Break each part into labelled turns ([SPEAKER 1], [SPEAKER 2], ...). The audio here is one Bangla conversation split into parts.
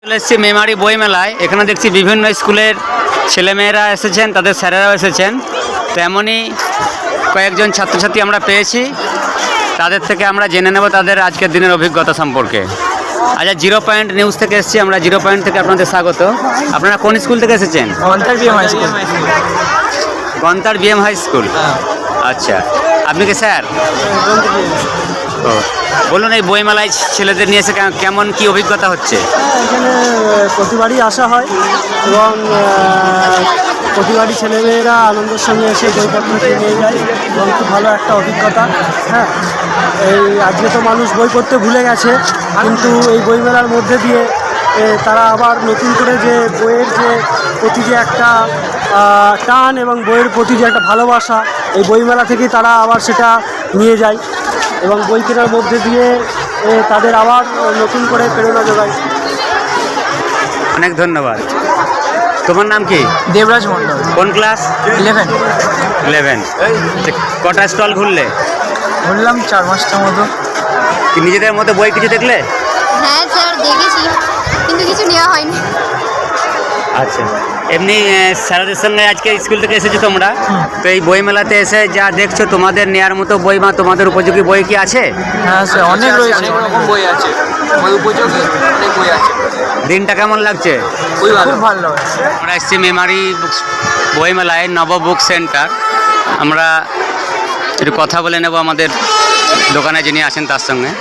[SPEAKER 1] এসেছি মেমারি বই মেলায়। এখানে দেখছি বিভিন্ন স্কুলের ছেলেমেয়েরা এসেছেন, তাদের স্যারেরাও এসেছেন। তেমনই কয়েকজন ছাত্রছাত্রী আমরা পেয়েছি, তাদের থেকে আমরা জেনে নেব তাদের আজকের দিনের অভিজ্ঞতা সম্পর্কে। আচ্ছা, জিরো পয়েন্ট নিউজ থেকে এসেছি আমরা। জিরো পয়েন্ট থেকে আপনাদের স্বাগত। আপনারা কোন স্কুল থেকে এসেছেন?
[SPEAKER 2] Gantar BM high school.
[SPEAKER 1] Gantar BM high school. আচ্ছা, আপনি কি স্যার? ও, বলুন এই বইমেলায় ছেলেদের নিয়ে এসে কেমন কি অভিজ্ঞতা হচ্ছে?
[SPEAKER 2] এখানে প্রতিবারই আসা হয় এবং প্রতিবারই ছেলেমেয়েরা আনন্দের সঙ্গে এসে বইপত্র নিয়ে যায় এবং খুব ভালো একটা অভিজ্ঞতা। হ্যাঁ, এই আজকে তো মানুষ বই পড়তে ভুলে গেছে, কিন্তু এই বইমেলার মধ্যে দিয়ে তারা আবার নতুন করে যে বইয়ের যে প্রতি যে একটা টান এবং বইয়ের প্রতি যে একটা ভালোবাসা, এই বইমেলা থেকেই তারা আবার সেটা নিয়ে যায় এবং বই কেনার মধ্যে দিয়ে তাদের আবার নতুন করে প্রেরণা যোগায়।
[SPEAKER 1] অনেক ধন্যবাদ। তোমার নাম কি?
[SPEAKER 2] দেবরাজ মন্ডল।
[SPEAKER 1] কোন ক্লাস? 11। কটা স্টল ঘুরলে?
[SPEAKER 2] বললাম 4-5টার মতো।
[SPEAKER 1] কি নিজেদের মতো বই কিছু দেখলে?
[SPEAKER 3] হ্যাঁ স্যার, দেখেছি, কিন্তু কিছু নেওয়া হয়নি।
[SPEAKER 1] আচ্ছা, এমনি স্যারদের সঙ্গে আজকে স্কুল থেকে এসেছো তোমরা, তো এই বই মেলাতে এসে যা দেখছো তোমাদের নেওয়ার মতো বই বা তোমাদের উপযোগী বই কি আছে?
[SPEAKER 2] হ্যাঁ স্যার, অনেক রয়েছে, অনেক রকম বই আছে, বই উপযোগী অনেক বই আছে।
[SPEAKER 1] দিনটা কেমন লাগছে?
[SPEAKER 2] খুব ভালো লাগছে।
[SPEAKER 1] আমরা এসেছি মেমারি বই মেলায়, নব বুক সেন্টার। আমরা একটু কথা বলে নেব আমাদের দোকানে যিনি আছেন তার সঙ্গে।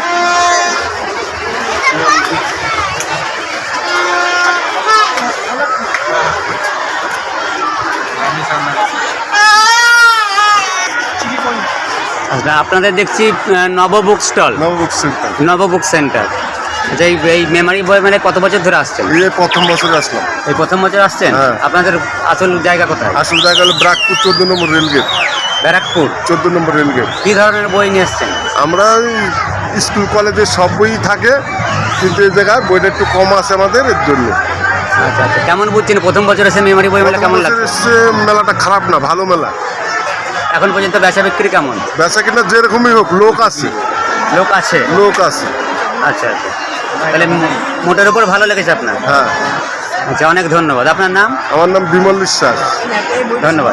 [SPEAKER 1] আচ্ছা, আপনাদের দেখছি নব বুক স্টল, নব বুক সেন্টার। আচ্ছা, এই মেমারি বই মেলায় কত বছর ধরে আসছেন?
[SPEAKER 4] এই প্রথম বছর আসলাম।
[SPEAKER 1] এই প্রথম বছর আসছেন?
[SPEAKER 4] হ্যাঁ।
[SPEAKER 1] আপনাদের আসল জায়গা কোথায়?
[SPEAKER 4] আসল জায়গা হলো ব্রাকপুর 14 নম্বর রেলগেট।
[SPEAKER 1] ব্যারাকপুর
[SPEAKER 4] 14 নম্বর রেলগেট।
[SPEAKER 1] কী ধরনের বই নিয়ে এসছেন?
[SPEAKER 4] আমরা ওই স্কুল কলেজের সব বই থাকে, কিন্তু এই জায়গায় বইটা একটু কম আছে আমাদের, এর জন্য।
[SPEAKER 1] আচ্ছা আচ্ছা, কেমন বুঝছেন প্রথম বছর এসে মেমারি বই মেলা কেমন লাগছে?
[SPEAKER 4] এসে মেলাটা খারাপ না, ভালো মেলা।
[SPEAKER 1] এখন পর্যন্ত বেচা বিক্রি কেমন?
[SPEAKER 4] বেচা কিনা যেরকমই হোক, লোক আছে,
[SPEAKER 1] লোক আছে।
[SPEAKER 4] লোক আছে।
[SPEAKER 1] আচ্ছা আচ্ছা, তাহলে মোটের উপর ভালো লেগেছে আপনার?
[SPEAKER 4] হ্যাঁ।
[SPEAKER 1] আচ্ছা, অনেক ধন্যবাদ। আপনার নাম?
[SPEAKER 4] আমার নাম বিমল বিশ্বাস।
[SPEAKER 1] ধন্যবাদ।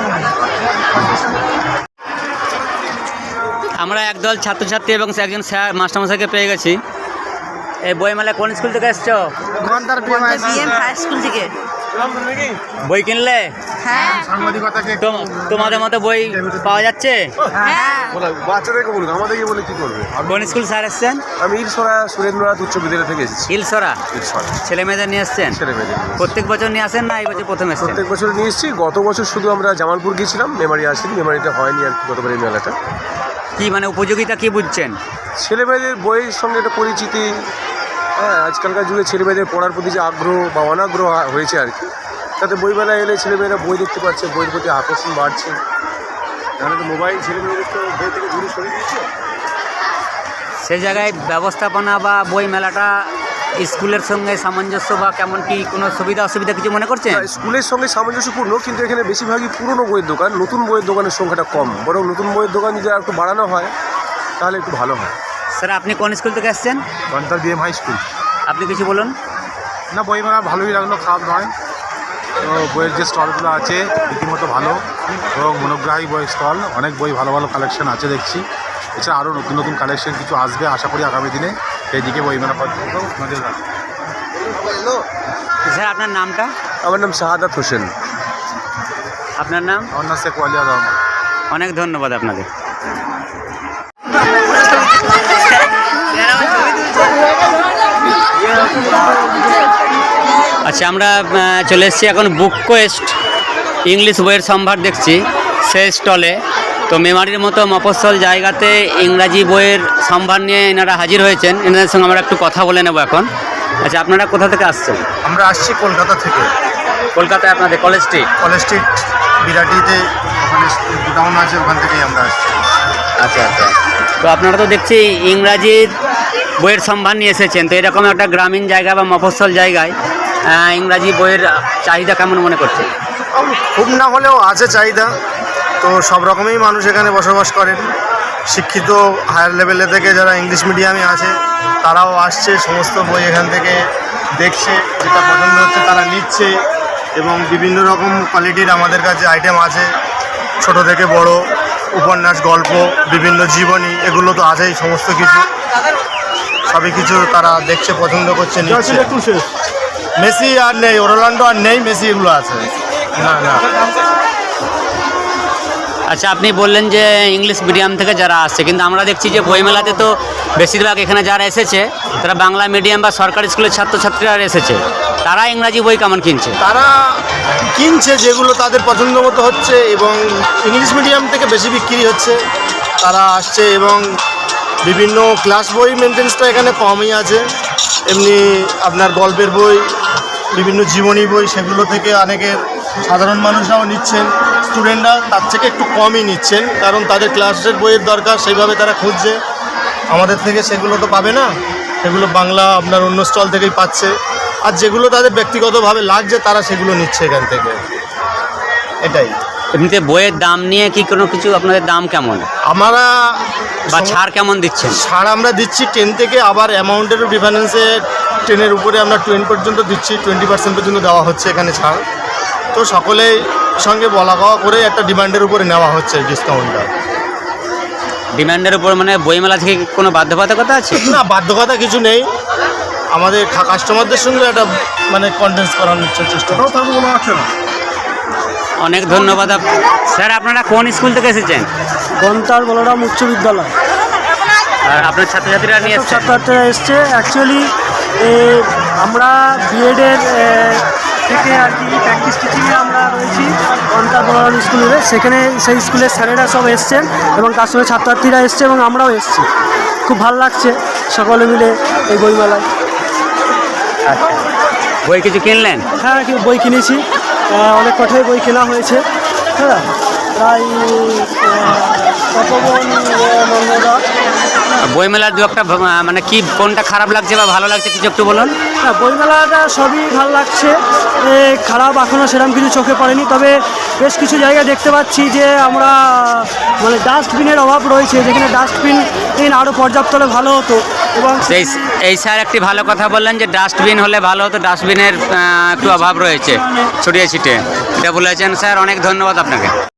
[SPEAKER 1] আমরা একদল ছাত্রছাত্রী এবং একজন স্যার মাস্টারমশাইকে পেয়ে গেছি। এই বইমেলায় কোন স্কুল থেকে এসছো?
[SPEAKER 2] গন্তার বিএম
[SPEAKER 5] হাই স্কুল থেকে।
[SPEAKER 1] বই কিনলে?
[SPEAKER 5] হ্যাঁ
[SPEAKER 1] তোমাদের মতো বই পাওয়া যাচ্ছে?
[SPEAKER 5] হ্যাঁ।
[SPEAKER 4] বাচ্চাদেরকে বলুন, আমাদেরকে বলে কি করবে?
[SPEAKER 1] কোন স্কুল স্যার এসছেন?
[SPEAKER 4] আমি ইলসরা সুরেন্দ্রনাথ উচ্চ বিদ্যালয় থেকে এসেছি।
[SPEAKER 1] ইলসরা।
[SPEAKER 4] ইলসরা
[SPEAKER 1] ছেলে মেয়েদের নিয়ে এসছেন?
[SPEAKER 4] ছেলে মেয়েদের নিয়ে এসেছি।
[SPEAKER 1] প্রত্যেক বছর নিয়ে আসেন না এই বছর প্রথম এসেছেন?
[SPEAKER 4] প্রত্যেক বছর নিয়ে এসেছি। গত বছর শুধু আমরা জামালপুর গিয়েছিলাম, মেমারি আসিনি, মেমারিটা হয়নি আর কি গতবার এই মেলাটা।
[SPEAKER 1] কি মানে উপযোগিতা কি বুঝছেন?
[SPEAKER 4] ছেলেমেয়েদের বইয়ের সঙ্গে একটা পরিচিতি। হ্যাঁ, আজকালকার যুগে ছেলেমেয়েদের পড়ার প্রতি যে আগ্রহ বা অনাগ্রহ হয়েছে আর কি, তাতে বইমেলায় এলে ছেলেমেয়েরা বই দেখতে পাচ্ছে, বইয়ের প্রতি আকর্ষণ বাড়ছে। তাহলে তো মোবাইল ছেলেমেয়েদের তো বই থেকে দূরে সরিয়ে দিচ্ছে।
[SPEAKER 1] সে জায়গায় ব্যবস্থাপনা বা বই মেলাটা স্কুলের সঙ্গে সামঞ্জস্য বা কেমন কি কোনো সুবিধা অসুবিধা কিছু মনে করছেন?
[SPEAKER 4] স্কুলের সঙ্গে সামঞ্জস্যপূর্ণ, কিন্তু এখানে বেশিরভাগই পুরনো বইয়ের দোকান, নতুন বইয়ের দোকানের সংখ্যাটা কম। বরং নতুন বইয়ের দোকান যদি আর একটু বাড়ানো হয় তাহলে একটু ভালো হয়।
[SPEAKER 1] স্যার, আপনি কোন স্কুল থেকে এসছেন?
[SPEAKER 4] Gantar BM high school.
[SPEAKER 1] আপনি কিছু বলুন।
[SPEAKER 4] না, বই মেলা ভালোই লাগলো, খারাপ নয়। তো বইয়ের যে স্টলগুলো আছে রীতিমতো ভালো এবং মনোগ্রাহী বই স্টল, অনেক বই ভালো ভালো কালেকশন আছে দেখছি। এছাড়া আরও নতুন নতুন কালেকশন কিছু আসবে আশা করি আগামী দিনে, সেই দিকে বই মেলা পর্যন্ত নজর রাখবে।
[SPEAKER 1] স্যার, আপনার নামটা?
[SPEAKER 4] আমার নাম শাহাদাত হোসেন।
[SPEAKER 1] আপনার নাম?
[SPEAKER 4] আমার নাম শেখ ওয়ালিয়া রহমান।
[SPEAKER 1] অনেক ধন্যবাদ আপনাদের। আচ্ছা, আমরা চলে এসেছি এখন বুক কোয়েস্ট ইংলিশ বইয়ের সম্ভার দেখছি সেই স্টলে। তো মেমারির মতো মফস্বল জায়গাতে ইংরাজি বইয়ের সম্ভার নিয়ে এনারা হাজির হয়েছেন। এনাদের সঙ্গে আমরা একটু কথা বলে নেব এখন। আচ্ছা, আপনারা কোথা থেকে আসছেন?
[SPEAKER 6] আমরা আসছি কলকাতা থেকে।
[SPEAKER 1] কলকাতায় আপনাদের কলেজ স্ট্রিট?
[SPEAKER 6] কলেজ স্ট্রিট বিরাটিতে ওখানে গোডাউন আছে, ওখান থেকেই আমরা আসছি।
[SPEAKER 1] আচ্ছা আচ্ছা, তো আপনারা তো দেখছি ইংরাজির বইয়ের সম্ভার নিয়ে এসেছেন। তো এরকম একটা গ্রামীণ জায়গা বা মফস্বল জায়গায় ইংরাজি বইয়ের চাহিদা কেমন মনে করছেন?
[SPEAKER 6] খুব না হলেও আছে চাহিদা। তো সব রকমই মানুষ এখানে বসবাস করেন। শিক্ষিত হায়ার লেভেলে থেকে যারা ইংলিশ মিডিয়ামে আছে তারাও আসছে, সমস্ত বই এখান থেকে দেখছে, যেটা পছন্দ হচ্ছে তারা নিচ্ছে, এবং বিভিন্ন রকম কোয়ালিটির আমাদের কাছে আইটেম আছে, ছোট থেকে বড়, উপন্যাস, গল্প, বিভিন্ন জীবনী, এগুলো তো আছেই, সমস্ত কিছু সবই কিছু তারা দেখছে, পছন্দ করছে, নিচ্ছে। মেসি আর নেই, রোনাল্ডো আর নেই, মেসি এগুলো আছে। না না,
[SPEAKER 1] আচ্ছা, আপনি বললেন যে ইংলিশ মিডিয়াম থেকে যারা আসছে, কিন্তু আমরা দেখছি যে বইমেলাতে তো বেশিরভাগ এখানে যারা এসেছে তারা বাংলা মিডিয়াম বা সরকারি স্কুলের ছাত্রছাত্রীরা এসেছে, তারা ইংরাজি বই কেমন কিনছে?
[SPEAKER 6] তারা কিনছে যেগুলো তাদের পছন্দ মতো হচ্ছে, এবং ইংলিশ মিডিয়াম থেকে বেশি বিক্রি হচ্ছে, তারা আসছে। এবং বিভিন্ন ক্লাস বই মেনটেন্সটা এখানে কমই আছে, এমনি আপনার গল্পের বই, বিভিন্ন জীবনী বই, সেগুলো থেকে অনেকের সাধারণ মানুষরাও নিচ্ছেন, স্টুডেন্টরা তার থেকে একটু কমই নিচ্ছেন, কারণ তাদের ক্লাসের বইয়ের দরকার, সেইভাবে তারা খুঁজছে। আমাদের থেকে সেগুলো তো পাবে না, সেগুলো বাংলা আপনার অন্য স্টল থেকেই পাচ্ছে, আর যেগুলো তাদের ব্যক্তিগতভাবে লাগছে তারা সেগুলো নিচ্ছে এখান থেকে, এটাই।
[SPEAKER 1] এমনিতে বইয়ের দাম নিয়ে কি কোনো কিছু আপনাদের দাম কেমন
[SPEAKER 6] আমরা
[SPEAKER 1] বা ছাড় কেমন দিচ্ছেন?
[SPEAKER 6] ছাড় আমরা দিচ্ছি 10 থেকে, আবার অ্যামাউন্টেরও ডিফারেন্সে 10-এর উপরে আমরা 20 পর্যন্ত দিচ্ছি, 20% পর্যন্ত দেওয়া হচ্ছে এখানে ছাড়। তো সকলেই সঙ্গে বলা কওয়া করে একটা ডিমান্ডের উপরে নেওয়া হচ্ছে ডিসকাউন্টটা।
[SPEAKER 1] ডিমান্ডের উপর মানে বইমেলা থেকে কি কোনো বাধ্যবাধকতা আছে?
[SPEAKER 6] না, বাধ্যকতা কিছু নেই, আমাদের কাস্টমারদের সঙ্গে একটা মানে কনভিন্স করানোর চেষ্টা করছি।
[SPEAKER 1] অনেক ধন্যবাদ। স্যার, আপনারা কোন স্কুল থেকে এসেছেন?
[SPEAKER 2] গন্তার বলরাম উচ্চ বিদ্যালয়।
[SPEAKER 1] আর আপনার ছাত্রছাত্রীরা নিয়ে এসেছেন?
[SPEAKER 2] ছাত্রছাত্রীরা এসছে। অ্যাকচুয়ালি আমরা বিএডের থেকে আর কি প্র্যাকটিস টিচিংয়ে আমরা রয়েছি গন্তার বলরাম স্কুলে, সেখানে সেই স্কুলের স্যারেরা সব এসছেন এবং তার সঙ্গে ছাত্রছাত্রীরা এসছে এবং আমরাও এসছি। খুব ভালো লাগছে সকলে মিলে এই বইমেলায়।
[SPEAKER 1] আচ্ছা, বই কিছু কিনলেন?
[SPEAKER 2] হ্যাঁ, বই কিনেছি, অনেক কটাই বই কেনা হয়েছে। হ্যাঁ, প্রায় তপবন নন্দদা।
[SPEAKER 1] বইমেলার দু একটা মানে কি কোনটা খারাপ লাগছে বা ভালো লাগছে কিছু একটু বলুন।
[SPEAKER 2] হ্যাঁ, বইমেলাটা সবই ভালো লাগছে, খারাপ এখনও সেরকম কিছু চোখে পড়েনি। তবে বেশ কিছু জায়গায় দেখতে পাচ্ছি যে আমরা মানে ডাস্টবিনের অভাব রয়েছে, যেখানে ডাস্টবিন আরও পর্যাপ্ত হলে ভালো হতো। এবং
[SPEAKER 1] এই স্যার একটি ভালো কথা বললেন যে ডাস্টবিন হলে ভালো হতো, ডাস্টবিনের একটু অভাব রয়েছে ছড়িয়ে ছিটে, এটা বলেছেন স্যার, অনেক ধন্যবাদ আপনাকে।